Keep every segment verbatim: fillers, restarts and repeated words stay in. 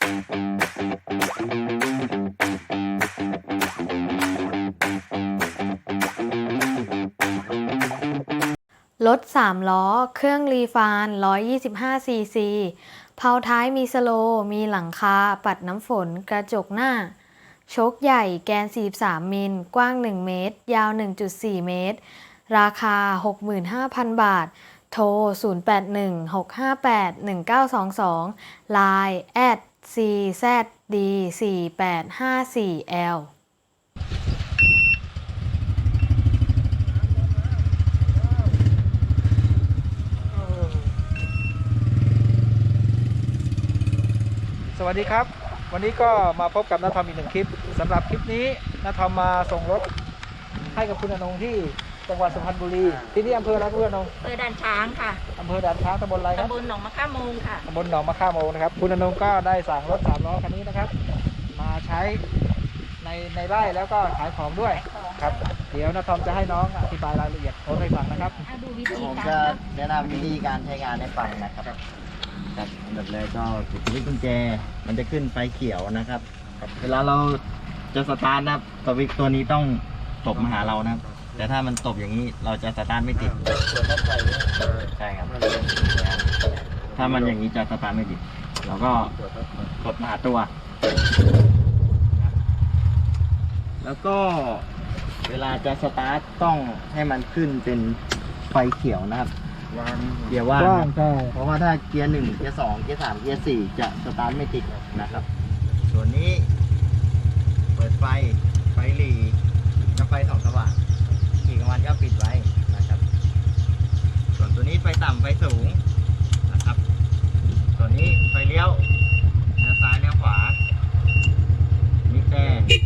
รถสามล้อเครื่องรีฟาน หนึ่งร้อยยี่สิบห้า ซี ซี เพลาท้ายมีสโลว์มีหลังคาปัดน้ำฝนกระจกหน้าโชคใหญ่แกนสี่สิบสามมิลกว้างหนึ่งเมตรยาว หนึ่งจุดสี่ เมตรราคา หกหมื่นห้าพัน บาทโทร ศูนย์ แปด หนึ่ง หก ห้า แปด หนึ่ง เก้า สอง สอง ไลน์ แอท ซี แซด ดี สี่ แปด ห้า สี่ แอลสวัสดีครับวันนี้ก็มาพบกับน้าทอมอีกหนึ่งคลิปสำหรับคลิปนี้น้าทอมมาส่งรถให้กับคุณอนงที่จังหวัดสุพรรณบุรีที่นี่อำเภออะไรคุณอนงอำเภอด่านช้างค่ะอำเภอด่านช้างตำบลอะไรครับตำบลหนองมะข่าโมงค่ะตำบลหนองมะข่าโมงนะครับคุณอนงก็ได้สั่งรถสามล้อคันนี้นะครับมาใช้ในในไร่แล้วก็ขายของด้วยครับเดี๋ยวน้าทอมจะให้น้องอธิบายรายละเอียดโพสต์ให้ฟังนะครับดูวิธีผมการจะแนะนำวิธีการใช้งานให้ฟังนะครับครับอันดับแรกก็กดที่กุญแจมันจะขึ้นไฟเขียวนะครับเวลาเราจะสตาร์ทนะครับสวิตช์ตัวนี้ต้องตบมาหาเรานะครับแต่ถ้ามันตบอย่างนี้เราจะสตาร์ทไม่ติดใช่ครับถ้ามันอย่างนี้จะสตาร์ทไม่ติดเราก็กดมาหาตัวแล้วก็เวลาจะสตาร์ทต้องให้มันขึ้นเป็นไฟเขียวนะครับเกียร์ว่างเพราะว่าถ้าเกียร์หนึ่งเกียร์สองเกียร์สามเกียร์สี่จะสตาร์ทไม่ติดนะครับส่วนนี้เปิดไฟไฟหลีกับไฟส่องสว่างขี่กลางวันก็ปิดไว้นะครับส่วนตัวนี้ไฟต่ำไฟสูงนะครับส่วนนี้ไฟเลี้ยวเลี้ยวซ้ายเลี้ยวขวามีแต่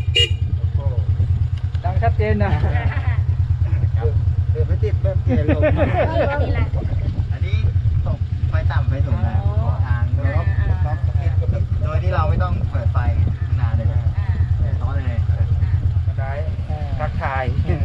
ดังชัดเจนนะเดินไม่ติดแบบเกลงอันนี้ตกไฟต่ำไฟสูงนะขอทางโดยโดยที่เราไม่ต้องเปิดไฟนานเลยท้อเลยก็ได้ทักทาย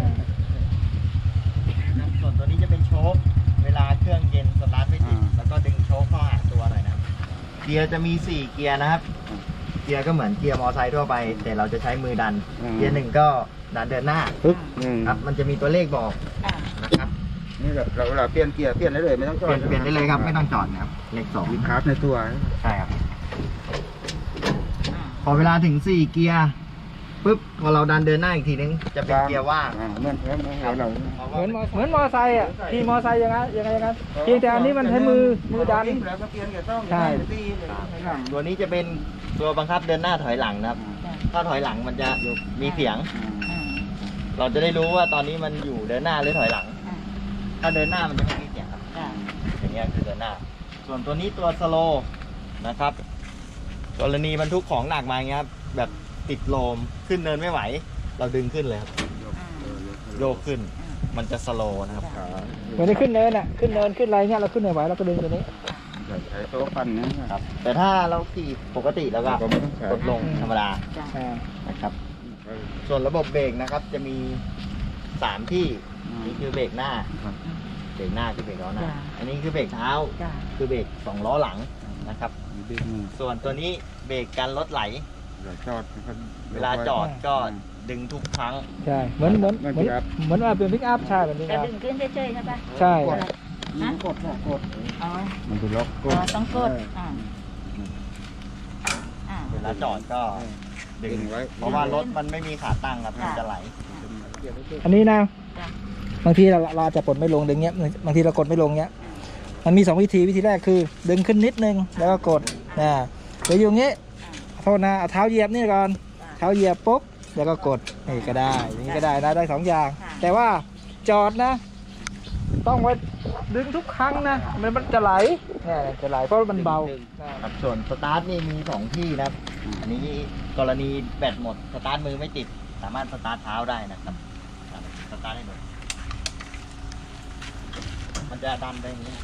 ส่วนตัวนี้จะเป็นโชคเวลาเครื่องเย็นสตาร์ทไม่ติดแล้วก็ดึงโชคเข้าหาตัวหน่อยนะครับเกียร์จะมีสี่เกียร์นะครับเกียร์ก็เหมือนเกียร์มอเตอร์ไซค์ทั่วไปแต่เราจะใช้มือดันเกียร์หนึ่งก็ดันเดินหน้าครับมันจะมีตัวเลขบอกนะครับนี่เราเราเปลี่ยนเกียร์เปลี่ยนได้เลยไม่ต้องจอดเปลี่ยนได้เลยครับไม่ต้องจอดนะครับเลขสองวิดคาร์บในตัวใช่ครับพอเวลาถึงสี่เกียร์ปุ๊บพอเราดันเดินหน้าอีกทีนึงจะเป็นเกียร์ว่างเหมือนเหมือนเราเหมือนเหมือนมอไซค์อ่ะขี่มอไซค์ยังไงยังไงยังไงเพียงแต่อันนี้มันใช้มือมือดันใช่ตัวนี้จะเป็นตัวบังคับเดินหน้าถอยหลังนะครับถ้าถอยหลังมันจะมีเสียงเราจะได้รู้ว่าตอนนี้มันอยู่เดินหน้าหรือถอยหลังถ้าเดินหน้ามันจะไม่มีเสียงครับอย่างเงี้ยคือเดินหน้าส่วนตัวนี้ตัวสโลว์นะครับกรณีบรรทุกของหนักมาอย่างเงี้ยครับแบบติดโลมขึ้นเนินไม่ไหวเราดึงขึ้นเลยครับโยกขึ้นมันจะสโลว์นะครับเหมือนได้ขึ้นเนินอ่ะขึ้นเนินขึ้นอะไรเงี้ยเราขึ้นไม่ไหวเราก็ดึงตัวนี้ใช้โต๊ะฟันนะครับแต่ถ้าเราขี่ปกติแล้วก็กดลงธรรมดานะครับส่วนระบบเบรกนะครับจะมีสามที่นี่คือเบรกหน้าเบรกหน้าคือเบรกล้อหน้าอันนี้คือเบรกเท้าคือเบรกสองล้อหลังนะครับส่วนตัวนี้เบรกกันรถไหลเวลาจอดก็ดึงทุกครั้งใช่เหมือนเหมือนเหมือนเหมือนว่าเป็นพิกอัพใช่แบบนี้จะดึงขึ้นเฉยๆใช่ปะใช่กดกดอ๋อมันจะล็อกกดต้องกดเวลาจอดก็ดึงไว้เพราะว่ารถมันไม่มีขาตั้งครับมันจะไหลอันนี้นะบางทีเราเราจะกดไม่ลงดึงเงี้ยบางทีเรากดไม่ลงเงี้ยมันมีสองวิธีวิธีแรกคือดึงขึ้นนิดนึงแล้วก็กดนะเดี๋ยวอยู่งี้โทษนะเอาเท้าเหยียบนี่ก่อนเท้าเหยียบปุ๊บแล้วก็กดนี่ก็ได้นี่ก็ได้นะได้สองอย่างแต่ว่าจอดนะต้องไว้ดึงทุกครั้งนะมันมันจะไหลเนี่ยจะไหลเพราะมันเบาครับส่วนสตาร์ทนี่มีสองที่นะครับอันนี้กรณีแบตหมดสตาร์ทมือไม่ติดสามารถสตาร์ทเท้าได้นะครับสตาร์ทให้หน่อยมันจะดันได้อย่างนี้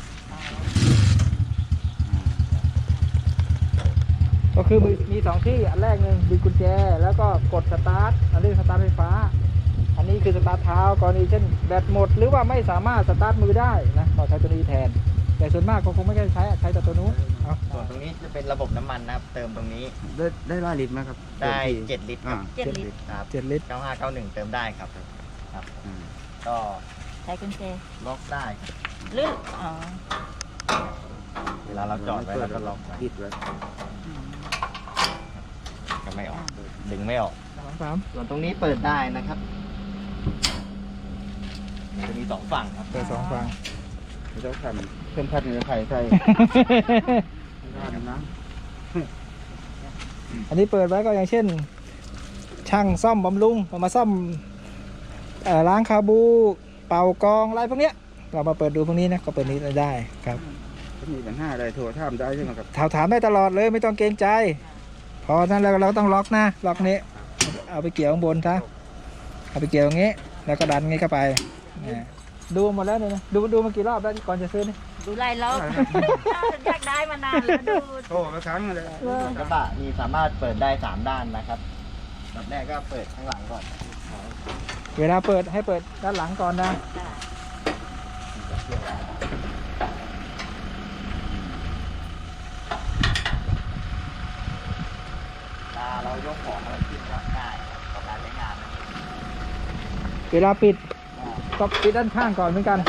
ก็คือมีสองที่อันแรกหนึ่งดึงกุญแจแล้วก็กดสตาร์ทอันนี้สตาร์ทไฟฟ้าอันนี้คือสตาร์ทเท้ากรณีเช่นแบตหมดหรือว่าไม่สามารถสตาร์ทมือได้นะเราใช้ตัวนี้แทนแต่ส่วนมากเขาคงไม่ได้ใช้อะใช้แต่ตัวนู้นเอาส่วนตรงนี้จะเป็นระบบน้ำมันนะครับ เติมตรงนี้ได้ได้หลายลิตรไหมครับได้เจ็ดลิตรคอ่ารับเจ็ดลิตรครับเจ็ดลิตรเก้าห้าเก้าหนึ่งเติมได้ครับครับอืมก็ใช้กุญแจล็อกได้หรืออ๋อเวลาเราจอดไว้เราก็ล็อกไว้ปิดไว้อืมก็ไม่ออกดึงไม่ออกสองสามส่วนตรงนี้เปิดได้นะครับจะมีสองฝั่งครับเปิดสองฝั่งไม่ต้องทำเพิ่มพัดเหนือไข่ใส่ได้นะอันนี้เปิดไว้ก็อย่างเช่น ช่างซ่อมบำรุงเอามาซ่อมเอ่อล้างคาบู เป่ากองอะไรพวกเนี้ยเรามาเปิดดูพวกนี้นะก็เปิดนี้ได้ครับถ้ามีปัญหาอะไรโทรถามได้ใช่ไหมครับถามถามได้ตลอดเลยไม่ต้องเกรงใจ พอนั้นแล้วเราต้องล็อกนะล็อกนี้เอาไปเกี่ยวข้างบนซะเอาไปเกี่ยวอย่างงี้ แล้วก็ดันงี้เข้าไปเนี่ยดูหมดแล้วเนี่ยนะดูดูมากี่รอบแล้วก่อนจะซื้อนี่ดูไล่รอบอยากได้มานานแล้วดูโทรมาครั้งเลยกระบะมีสามารถเปิดได้สามด้านนะครับแบบแรกก็เปิดข้างหลังก่อนเวลาเปิดให้เปิดด้านหลังก่อนนะเวลาเรายกของอะไรขึ้นก็ง่ายต่อการใช้งานนะเวลาปิดก็ปิดด้านข้างก่อนเหมือนกัน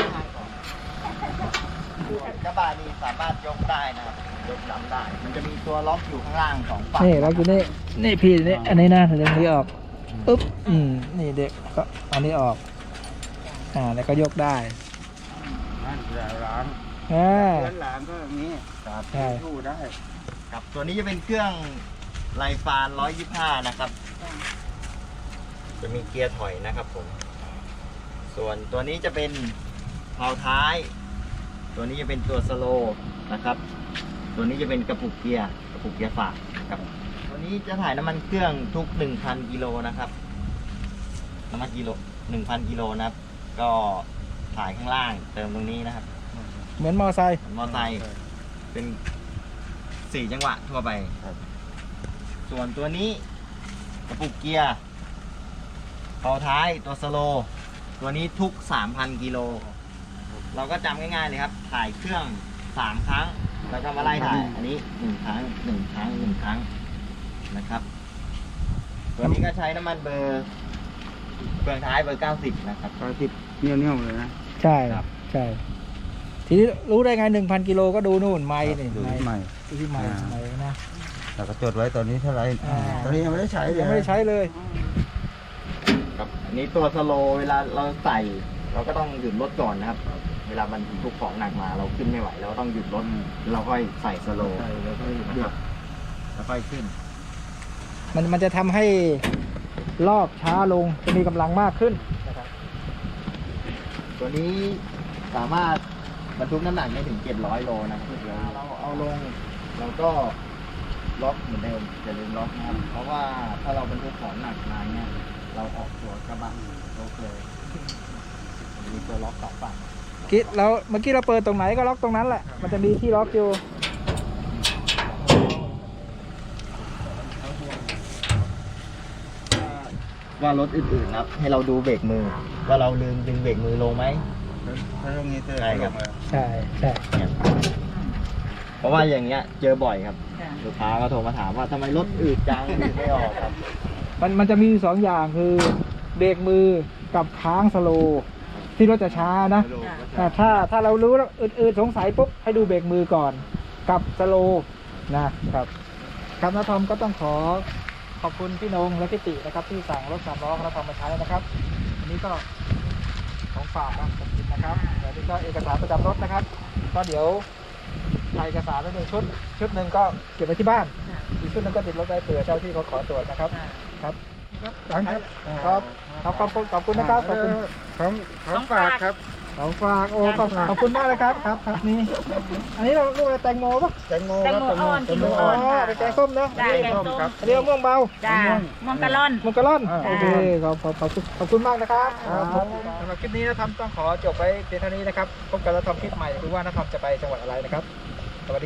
กระบะนี่สามารถยกได้นะครับยกลำได้ มันจะมีตัวล็อกอยู่ข้างล่างสองฝั่งนี่ล็อกอยู่นี่นี่พี่นี่อันนี้นะเดี๋ยวนี้ออกปึ๊บอืมนี่เด็กก็อันนี้ออกอ่าแล้วก็ยกได้นั่นแหละร้านอ่าเพื่อนร้านก็อย่างนี้ครับใช่สู้ได้ครับตัวนี้จะเป็นเครื่องไลฟานร้อยยี่สิบห้านะครับ จะมีเกียร์ถอยนะครับผม ส่วนตัวนี้จะเป็นเพลาท้าย ตัวนี้จะเป็นตัวสโลว์นะครับ ตัวนี้จะเป็นกระปุกเกียร์กระปุกเกียร์ฝากครับ ตัวนี้จะถ่ายน้ำมันเครื่องทุก หนึ่งพัน กิโลนะครับ น้ำมันกิโล หนึ่งพัน กิโลนะครับ ก็ถ่ายข้างล่างเติมตรงนี้นะครับเหมือนมอไซค์เหมือนมอไซค์เป็นสี่จังหวะทั่วไป ส่วนตัวนี้กระปุกเกียร์เพลาท้ายตัวสโลว์ตัวนี้ทุก สามพัน กิโล เราก็จำง่ายๆเลยครับ ถ่ายเครื่อง สาม ครั้ง แล้วก็มาไล่ถ่าย อันนี้ หนึ่ง ครั้ง หนึ่ง ครั้ง หนึ่ง ครั้งนะครับ ตัวนี้ก็ใช้น้ำมันเบอร์เบืองท้ายเบอร์ เก้าสิบ นะครับตอนติดเนี้ยวๆเลยนะใช่ครับใช่ทีนี้รู้ได้ไงหนึ่งพันกิโลก็ดูนู่นไม้นี่ดูไม้ใหม่ดูที่ไม้อ่าไม้นะแต่ก็จดไว้ตอนนี้เท่าไหรอ่าตอนนี้ยังไม่ได้ใช้เลยยังไม่ได้ใช้เลยครับอันนี้ตัวสโลว์เวลาเราใส่ เราก็ต้องหยุดรถก่อนนะครับ เวลามันทุกของหนักมาเราขึ้นไม่ไหวเราก็ต้องหยุดรถเราค่อยใส่สโลว์ใช่แล้วก็หยุดนะครับแล้วค่อยขึ้นมันมันจะทำให้รอบช้าลงจะมีกำลังมากขึ้นนะครับตัวนี้สามารถบรรทุกน้ำหนักได้ถึงเจ็ดร้อยโลนะครับเวลาเราเอาลงเราก็ล็อกเหมือนเดิมอย่าลืมล็อกนะครับเพราะว่าถ้าเราบรรทุกของหนักมาเนี่ยเราออกตัวกระบะล็อกเลยมีตัวล็อกสองฝั่งกี้เราเมื่อกี้เราเปิดตรงไหนก็ล็อกตรงนั้นแหละ มันจะมีที่ล็อกอยู่ว่ารถอื่นๆนะครับ ให้เราดูเบรกมือ ว่าเราลืมดึงเบรกมือลงไหมถ้าตรงนี้เจอใช่ครับใช่ใช่เนี่ยเพราะว่าอย่างเงี้ยเจอบ่อยครับค่ะลูกค้าก็โทรมาถามว่าทำไมรถอืดจังอืดไม่ออกครับมันมันจะมีสองอย่างคือเบรกมือกับค้างสโลว์ที่รถจะช้านะ แต่ถ้าถ้าเรารู้แล้วอืดๆสงสัยปุ๊บให้ดูเบรกมือก่อนกับสโลว์นะครับครับน้าทอมก็ต้องขอขอบคุณพี่นงและพี่ตินะครับที่สั่งรถสามล้อของน้าทอมมาใช้นะครับอันนี้ก็ของฝากนะขอบคุณนะครับเดี๋ยวนี้ก็เอกสารประจำรถนะครับ ก็เดี๋ยวถ่ายเอกสารไว้หนึ่งชุด ชุดหนึ่งก็เก็บไว้ที่บ้านอีกชุดหนึงก็ติดรถไว้เผื่อเจ้าที่เขาขอตรวจนะครับครับครับครับขอบคุณขอบคุณนะครับขอบคุณของของฝากครับของฝากโอ้ขอบขอบคุณมากเลยครับครับครับนี่อันนี้เราลูกอะไรแตงโมปะแตงโมแตงครับโมอ่อนแตกิงโลโมอ๋อ่ออนเป็นแกงส้มนะจ้าแกงส้มครับอันนี้มะม่วงเบาจ้ามังกะล่อนมังกรลอนอ่าโอเคขอบขอบขอบคุณขอบคุณมากนะครับครับผมสำหรับคลิปนี้นะทำต้องขอจบไว้เพียงเท่านี้นะครับพบกันแล้วทำคลิปใหม่ดูว่านะทอมจะไปจังหวัดอะไรนะครับ สวัสดี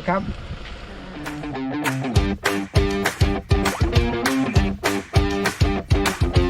ครับ